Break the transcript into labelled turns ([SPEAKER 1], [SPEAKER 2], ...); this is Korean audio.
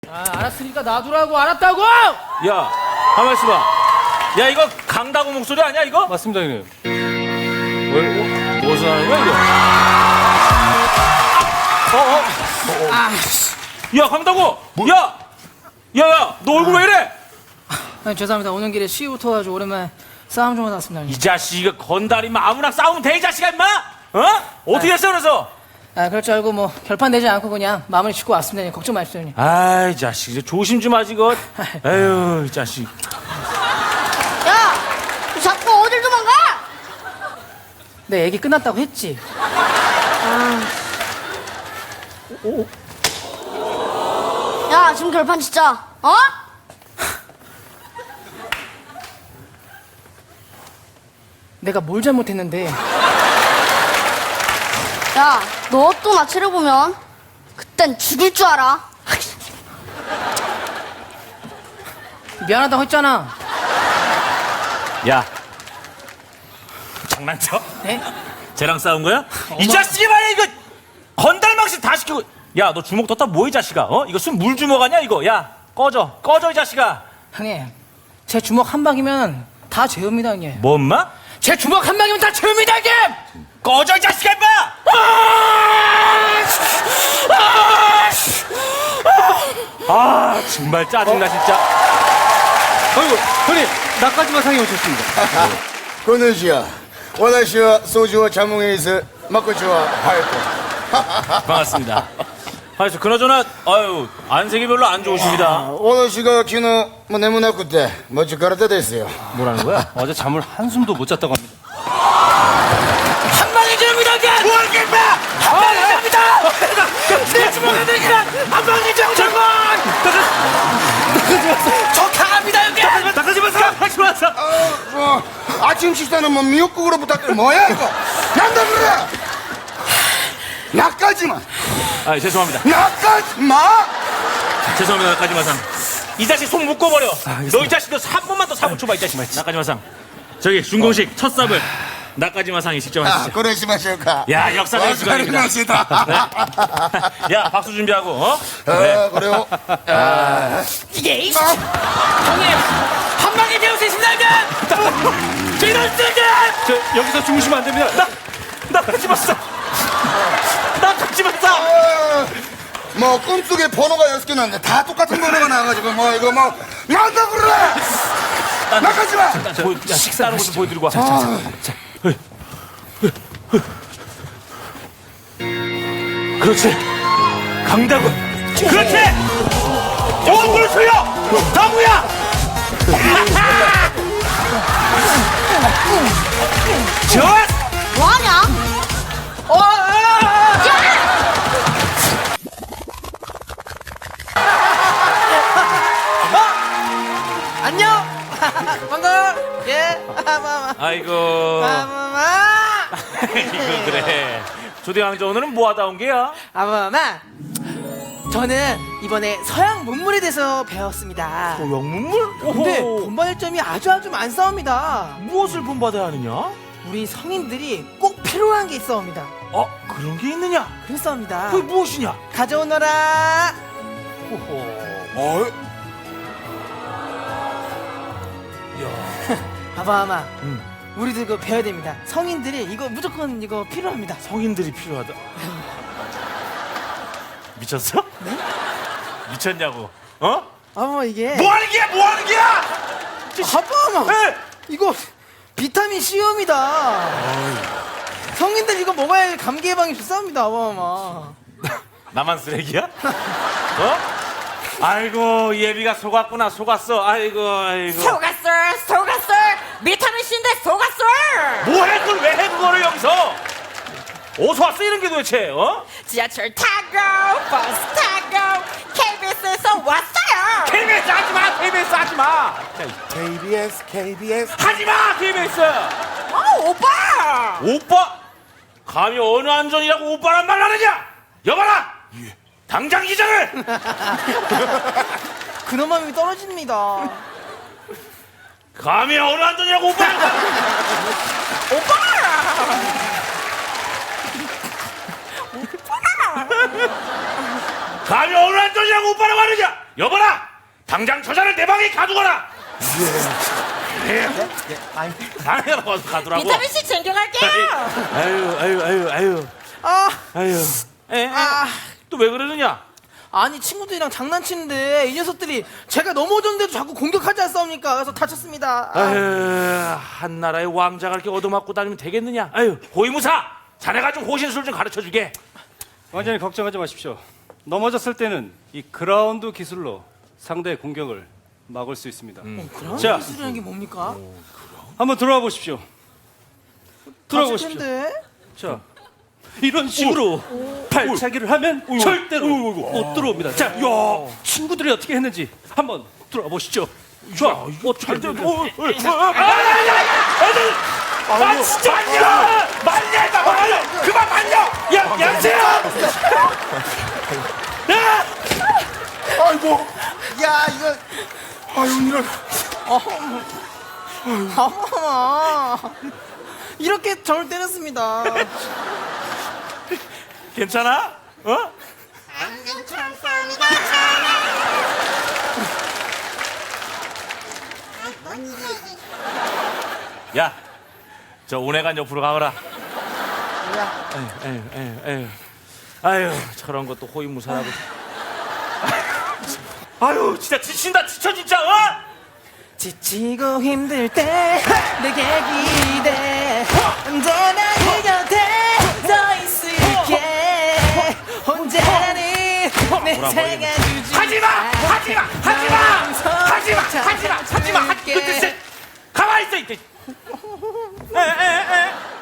[SPEAKER 1] 아, 알았으니까 놔두라고. 알았다고!
[SPEAKER 2] 야, 가만 있어봐. 야, 이거 강다구 목소리 아니야, 이거?
[SPEAKER 3] 맞습니다, 형님.
[SPEAKER 2] 무엇을 하는 거야, 이거? 야, 강다구! 야! 야, 너 얼굴 왜 이래?
[SPEAKER 1] 아니, 죄송합니다. 오는 길에 시위 붙어가지고 오랜만에 싸움 좀 하다 왔습니다.
[SPEAKER 2] 이 자식, 이거 건달이면 아무나 싸우면 돼, 이 자식아, 임마! 어? 어떻게 했어, 그래서?
[SPEAKER 1] 아, 그럴 줄 알고 뭐 결판 내지 않고 그냥 마무리 짓고 왔습니다. 형님. 걱정 마십시오, 형님.
[SPEAKER 2] 아이, 자식, 이제 조심 좀 하지, 이거. 에휴, 이 자식.
[SPEAKER 4] 야! 너 자꾸 어딜 도망가?
[SPEAKER 1] 내 얘기 끝났다고 했지.
[SPEAKER 4] 야, 지금 결판 진짜, 어?
[SPEAKER 1] 내가 뭘 잘못했는데.
[SPEAKER 4] 야, 너 또 나 째려보면 그땐 죽일 줄 알아.
[SPEAKER 1] 미안하다고 했잖아.
[SPEAKER 2] 야. 장난쳐?
[SPEAKER 1] 네?
[SPEAKER 2] 쟤랑 싸운 거야? 이 자식이 말이야, 이거! 건달망신 다 시키고. 야, 너 주먹 떴다 뭐, 이 자식아? 어? 이거 순 물주먹 아니야, 이거? 야, 꺼져, 이 자식아.
[SPEAKER 1] 형님, 제 주먹 한 방이면 다 죄입니다, 형님.
[SPEAKER 2] 뭐, 엄마?
[SPEAKER 1] 제 주먹 한 방이면 다 죄입니다, 형님!
[SPEAKER 2] 꺼져, 이 자식아, 임마! 아, 정말 짜증나, 진짜.
[SPEAKER 3] 아이고, 형님, 나까지만 상해 오셨습니다.
[SPEAKER 5] こんにちは。私は掃除を자몽에서 마코치와 하이코.
[SPEAKER 2] 반갑습니다. 아니, 그나저나, 아유, 안색이 별로 안 좋으십니다.
[SPEAKER 5] 私が昨日も眠なくて持ちからですよ.
[SPEAKER 2] 뭐라는 거야?
[SPEAKER 3] 어제 잠을 한숨도 못 잤다고 합니다.
[SPEAKER 1] 한 방이 죄입니다, 형님!
[SPEAKER 2] 뭐하게, 임마!
[SPEAKER 1] 한 방이 죄입니다! 내 주먹에 들기란 한 방이 죄입니다! 저 강합니다, 형님!
[SPEAKER 2] 나가지 마세요!
[SPEAKER 5] 아침 식사는 뭐 미역국으로 부탁드려. 뭐야 이거? 난다 그래. 나까지만.
[SPEAKER 2] 아, 죄송합니다.
[SPEAKER 5] 나까지마.
[SPEAKER 2] 죄송합니다, 나까지마상. 이 자식 손 묶어버려. 너 이 자식 너 3분만 더 사붙여봐, 이 자식. 나까지마상. 저기 준공식 첫 삽을 나까지마상이 직접
[SPEAKER 5] 아,
[SPEAKER 2] 하시죠.
[SPEAKER 5] 그러시마실까?
[SPEAKER 2] 야, 역사적인 순간입니다.
[SPEAKER 5] 맛이다.
[SPEAKER 2] 야, 박수 준비하고, 어?
[SPEAKER 5] 그래요.
[SPEAKER 1] 이게 이씨! 형님! 한 방에 배울 수 있습니다, 형님! 이럴 때는!
[SPEAKER 3] 저, 여기서 주무시면 안 됩니다.
[SPEAKER 2] 나까지마상. 나까지마상.
[SPEAKER 5] 뭐 꿈속에 번호가 6개 났는데 다 똑같은 번호가 나와가지고 뭐 이거 뭐 난다 그래. 나까지마.
[SPEAKER 2] 야, 식사하는 것좀 보여드리고 와. 그렇지. 강다구. 그렇지. 얼굴 숙여. 다구야. 좋아.
[SPEAKER 4] 뭐하냐?
[SPEAKER 1] 안녕! 반가워! 예!
[SPEAKER 2] 아이고. 이거 그래. 조대왕자 오늘은 뭐 하다 온 게야?
[SPEAKER 6] 아마마 저는 이번에 서양 문물에 대해서 배웠습니다.
[SPEAKER 2] 영문물?
[SPEAKER 6] 근데 본받을 점이 아주 많사옵니다.
[SPEAKER 2] 무엇을 본받아야 하느냐?
[SPEAKER 6] 우리 성인들이 꼭 필요한 게 있어옵니다.
[SPEAKER 2] 그런 게 있느냐?
[SPEAKER 6] 그렇사옵니다.
[SPEAKER 2] 그게 무엇이냐?
[SPEAKER 6] 가져오너라. 아마마 우리도 이거 배워야 됩니다. 성인들이 이거 무조건 이거 필요합니다.
[SPEAKER 2] 성인들이 필요하다. 미쳤어? 네? 미쳤냐고? 어?
[SPEAKER 6] 아마 이게
[SPEAKER 2] 뭐 하는 게야? 뭐 하는 게야?
[SPEAKER 6] 아마마
[SPEAKER 2] 에!
[SPEAKER 6] 이거 비타민 C입니다. 성인들 이거 먹어야 감기 예방이 좋습니다. 아마마.
[SPEAKER 2] 나만 쓰레기야? 어? 아이고, 예비가 속았구나, 속았어. 아이고.
[SPEAKER 7] 속았어 비타민 C인데 속았어.
[SPEAKER 2] 뭐해, 그걸 왜 해, 그거를 여기서? 어디서 왔어, 이런 게 도대체, 어?
[SPEAKER 7] 지하철 타고 버스 타고 KBS에서 왔어요.
[SPEAKER 2] KBS 하지 마, KBS 하지 마.
[SPEAKER 5] KBS.
[SPEAKER 2] 하지 마, KBS.
[SPEAKER 7] 오빠
[SPEAKER 2] 오빠? 감히 어느 안전이라고 오빠란 말 하느냐? 여봐라! 당장 기장을!
[SPEAKER 6] 근엄함이 떨어집니다.
[SPEAKER 2] 감히 어느 안전이라고 오빠란 말 감히 어느 안전이라고 오빠라고 하느냐? 여보라, 당장 저자를 내 방에 가두거라. 방에 가두라고.
[SPEAKER 7] 비타민 C 챙겨갈게요.
[SPEAKER 2] 아유.
[SPEAKER 6] 아,
[SPEAKER 2] 아유. 또 왜 그러느냐?
[SPEAKER 6] 아니 친구들이랑 장난치는데 이 녀석들이 제가 넘어졌는데도 자꾸 공격하지 않습니까? 그래서 다쳤습니다.
[SPEAKER 2] 아유, 한나라의 왕자가 이렇게 얻어맞고 다니면 되겠느냐? 아유, 호위무사, 자네가 좀 호신술 좀 가르쳐 주게.
[SPEAKER 3] 왕자님 걱정하지 마십시오. 넘어졌을 때는 이 그라운드 기술로 상대의 공격을 막을 수 있습니다.
[SPEAKER 6] 그런
[SPEAKER 3] 자.
[SPEAKER 6] 기술이라는 게 뭡니까?
[SPEAKER 3] 한번 들어와 보십시오. 들어와
[SPEAKER 6] 다칠
[SPEAKER 3] 보십시오.
[SPEAKER 6] 텐데.
[SPEAKER 3] 자, 이런 식으로 발차기를 하면 절대로 못 들어옵니다. 자, 친구들이 어떻게 했는지 한번 들어와 보시죠. 자, 어떻게 했는지.
[SPEAKER 2] 아, 진짜 말려! 그만 말려! 야, 양세야!
[SPEAKER 5] 아이고. 야, 이거. 아유, 이런.
[SPEAKER 6] 어머나. 이렇게 저를 때렸습니다.
[SPEAKER 2] 괜찮아? 어? 야, 저 운해관 옆으로 가거라. 아유, 저런 것도 호위무사라고. 아유, 진짜 지친다, 지쳐 진짜. 어?
[SPEAKER 6] 지치고 힘들 때 내게 기대 언제나 네 곁에 서 있을게 언제나 내 생각주지
[SPEAKER 2] 하지마! 그 뜻은 가만히 있어. 에.